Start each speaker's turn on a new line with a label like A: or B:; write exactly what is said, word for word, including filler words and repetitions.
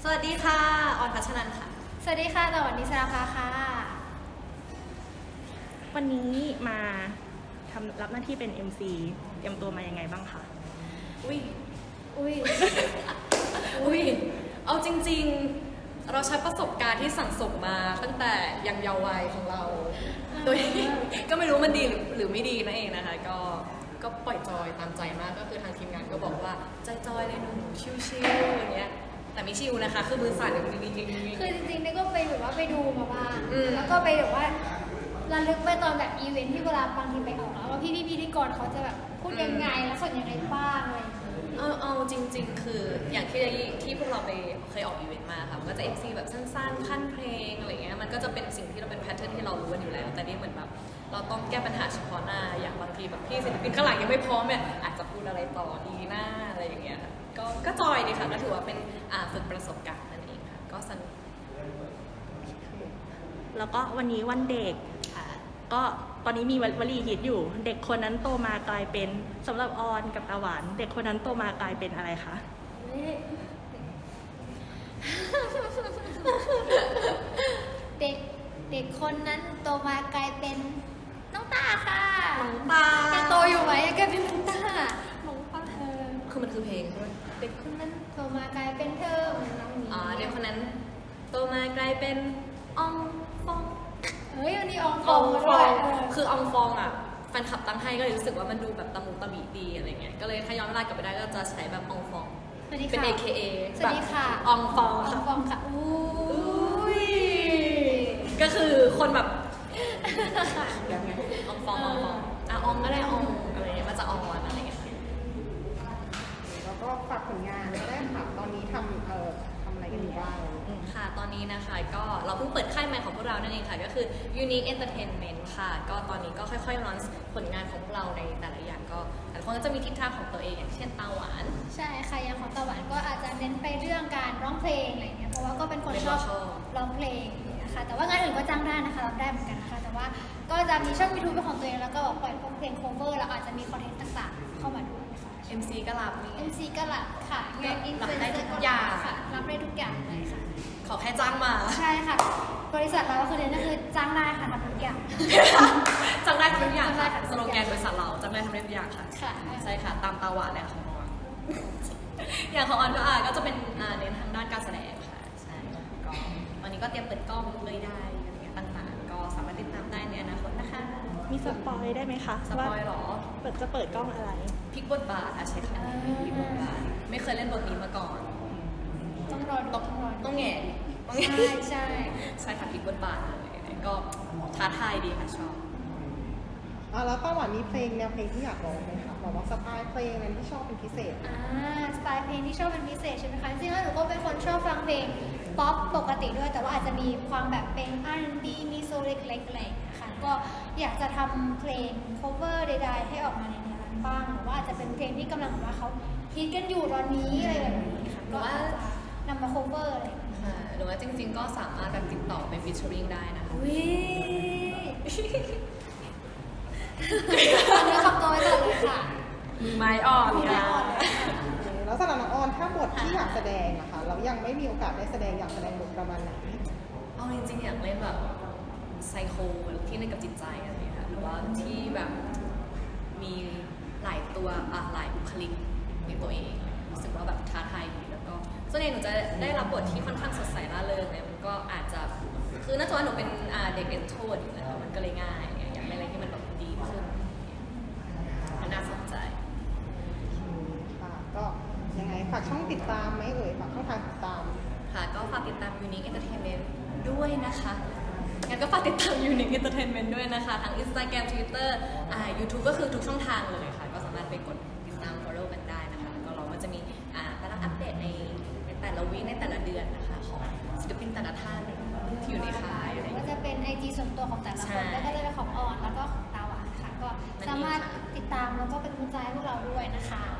A: สวัสดีค่ะออนพัชนันท์ค่ะ
B: สวัสดีค่ะตะวันนิสราภาค่ะ
C: วันนี้มาทำรับหน้าที่เป็น เอ็ม ซี เตรียมตัวมายังไงบ้างคะ
A: อุ้ย
B: อุ้ย
A: อุ้ยเอาจริงๆเราใช้ประสบการณ์ที่สั่งสมมาตั้งแต่ยังเยาว์วัยของเราโดยก็ไม่รู้มันดีหรือไม่ดีนั่นเองนะคะก็ก็ปล่อยจอยตามใจมากก็คือทางทีมงานก็บอกว่าใจจอยเลยหนูชิลๆอย่างเงี้ยแต่ไม่ชิลนะคะคือมือสั่นอย่างนี้
B: คือจริงๆนี่ก็ไปแบบว่าไปดูมาบ้าง
A: อืม
B: แล้วก็ไปแบบว่าระลึกไปตอนแบบอีเวนท์ที่เวลาบางทีไปออกแล้วว่าพี่พี่พิธีกรเขาจะแบบพูดยังไงแล้วสอนยังไงบ้างอะไรอย่างเงี้ย
A: เอาเอาจริงๆคืออย่างที่ที่พวกเราไปเคยออกอีเวนต์มาค่ะมันก็จะ เอ็ม ซี แบบสั้นๆขั้นเพลงอะไรเงี้ยมันก็จะเป็นสิ่งที่เราเป็นแพทเทิร์นที่เรารู้กันอยู่แล้วแต่นี่เหมือนแบบเราต้องแก้ปัญหาเฉพาะหน้าอย่างบางทีแบบพี่ศิลปินข้างหลังยังไม่พร้อมเนี่ยอาจจะพูดอะไรต่อดีหน้าอะไรอย่างเงี้ยค่ะก็ก็จอยดีค่ะก็ถือว่าเป็นอ่าฝึกประสบการณ์นั่นเองค่ะก็สนุก
C: แล้วก็วันนี้วันเด็ก
A: ค่ะ
C: ก็ตอนนี้มีวลีฮิตอยู่เด็กคนนั้นโตมากลายเป็นสำหรับออนกับตาหวานเด็กคนนั้นโตมากลายเป็นอะไรคะ
B: เด็กเด็กคนนั้นโตมากลายเป็นน้องตาค่ะ
A: น้องตา
B: ยังโตอยู่ไหมกลายเป็นน้องตาน้องตาเออ
A: คือมันคือเพลงใช่ไหม
B: เด็กคนนั้นโตมากลายเป็นเธอน้องหมี
A: อ๋อเด็กคนนั้นโตมากลายเป็นอองฟอง
B: เฮ้ยวันนี้อองฟองด้วย
A: คืออองฟองอ่ะแฟนคลับตั้งให้ก็เลยรู้สึกว่ามันดูแบบตะมุตะมิดีอะไรเงี้ยก็เลยถ้าย้อนเวลากลับไปได้ก็จะใช้แบบอองฟองเป็น เอ เค เอ
B: สวัสดีค่ะ
A: อองฟอง
B: อองฟองค่ะอุ้ย
A: ก็คือคนแบบยังไงอองฟองอองฟองอ่ะอองก็ได้อองอะไรเงี้ยมาจากอองอะไรเงี้ย
D: แล้วก็ฝากผลงานก็ได้ค่ะตอนนี้ทำเอ่อทำอะไรกันอยู่บ้าง
A: ค่ะตอนนี้นะคะก็เราเพิ่งเปิดค่ายใหม่ของพวกเรานั่นเองค่ะก็คือ Unique Entertainment ค่ะก็ตอนนี้ก็ค่อยๆ launch ผลงานของพวกเราในแต่ละอย่างก็แต่ละคนก็จะมีทิศทางของตัวเองอย่างเช่นตาหวาน
B: ใช่ค่ะอย่างของตาหวานก็อาจจะเน้นไปเรื่องการร้องเพลงอะไรเงี้ยเพราะว่าก็เป็นคนชอบร้องเพลงนะคะแต่ว่างานอื่นก็จ้างได้นะคะรับได้เหมือนกันนะคะแต่ว่าก็จะมีช่อง ยูทูบ เป็นของตัวเองแล้วก็ปล่อยเพลง cover แล้วอาจจะมีคอนเทนต์ต่างๆเข้ามาด้วยค่ะ
A: เอ็ม ซี ก็รับนี่
B: เอ็ม ซี ก็รับค่ะงานอินฟลูเอนเซอร์ก็รับค่ะรับได้ทุกอย่างเลยค่ะ
A: ขอแค่จ้างมา
B: ใช่ค่ะบริษัทเราก็คือเน้นก็คือจ้างได้ค่ะทำทุกอย่าง
A: จ้างได้ทำทุกอย่างค่ะสโลแกนบริษัทเราจ้างได้ทำได้ทุกอย่างค่ะ
B: ค่ะ
A: ใช่ค่ะตามตาหวานเลยของออนอย่างของออนก็อ่ะก็จะเป็นเน้นทางด้านการแสดงค่ะใช่ก็วันนี้ก็เตรียมเปิดกล้องเลยได้อะไรเงี้ยต่างๆก็สามารถติดตามได้ในอนาคตนะคะ
C: มีสปอยได้ไหมคะ
A: สปอยหรอ
C: เปิดจะเปิดกล้องอะไร
A: พลิกบทบาทอะใช่ค่ะพลิกบทบาทไม่เคยเล่นบทนี้มาก่อน
B: ต้องรอดู
A: ต้องรอต้องแง่
B: ใช่ใช่
A: ใช่ค่ะพลิกบทบาทเลยก็ท้าทายดีค่ะชอบ
D: อ่าแล้วตาหวานมีเพลงแนวเพลงที่อยากร้องไหมคะบอกว่าสไตล์เพลงอะไรที่ชอบเป็นพิเศษ
B: อ่าสไตล์เพลงที่ชอบเป็นพิเศษใช่ไหมคะจริงๆแล้วหนูก็เป็นคนชอบฟังเพลงป๊อปปกติด้วยแต่ว่าอาจจะมีความแบบเป็น อาร์ แอนด์ บี มีโซลเล็กๆอะไรนะคะก็อยากจะทำเพลง cover ใดๆให้ออกมาในแนวนั้นบ้างหรือว่าอาจจะเป็นเพลงที่กำลังว่าเขาฮิตกันอยู่ตอนนี้อะไรแบบนี้ค่ะก็อาจจะนำมา cover อะไร
A: หรือว่าจริงๆก็สามารถแบบติดต่อไปฟีเจอริงได้นะคะ
B: วิเนื้อคำตัวไว้ก่อนเลยค่ะ
A: มีไม้อ่อน
B: ค่ะ
D: แล้วสำหรับน้องออนถ้าบทที่อยากแสดงนะคะเรายังไม่มีโอกาสได้แสดงอยากแสดงบทประมาณไหน
A: เอาจริงๆอยากเล่นแบบไซโคที่เล่นกับจิตใจอะไรอย่างเงี้ยหรือว่าที่แบบมีหลายตัวอ่ะหลายบุคลิกในตัวเองรู้สึกว่าแบบท้าทายดีแล้วก็ส่วนใหญ่หนูจะได้รับบทที่ค่อนข้างสดใสร่าเริงเนี่ยมันก็อาจจะคือน่าจะว่าหนูเป็นเด็กเอ็นโทรดอยู่แล้วมันก็เลยง่ายอยากเล่นอะไรที่มันแบบดีขึ้นมันน่าสนใจ
D: ค่ะก็ยังไงฝากช่องติดตามไหมเอ่ยฝากช่องทางติดตาม
A: ค่ะก็ฝากติดตาม Unique Entertainment ด้วยนะคะงั้นก็ฝากติดตาม Unique Entertainment ด้วยนะคะทั้ง Instagram Twitter อ่า YouTube ก็คือทุกช่องทางเลยค่ะก็สามารถไปกดติดตาม follow กันได้นะคะแล้วก็เราก็จะมีอ่าตารางอัปเดตในในแต่ละวีคในแต่ละเดือนนะคะของศิลปินแต่ละท่านที่อยู่ในค่ายอะไรอย่างเงี้ย
B: ก็จะเป็น ไอ จี ส่วนตัวของแต่ละคนแล้วก็จะเป็นของออนแล้วก็ของตาหวานค่ะก็สามารถติดตามแล้วก็เป็นกำลังใจให้พวกเราด้วยนะคะ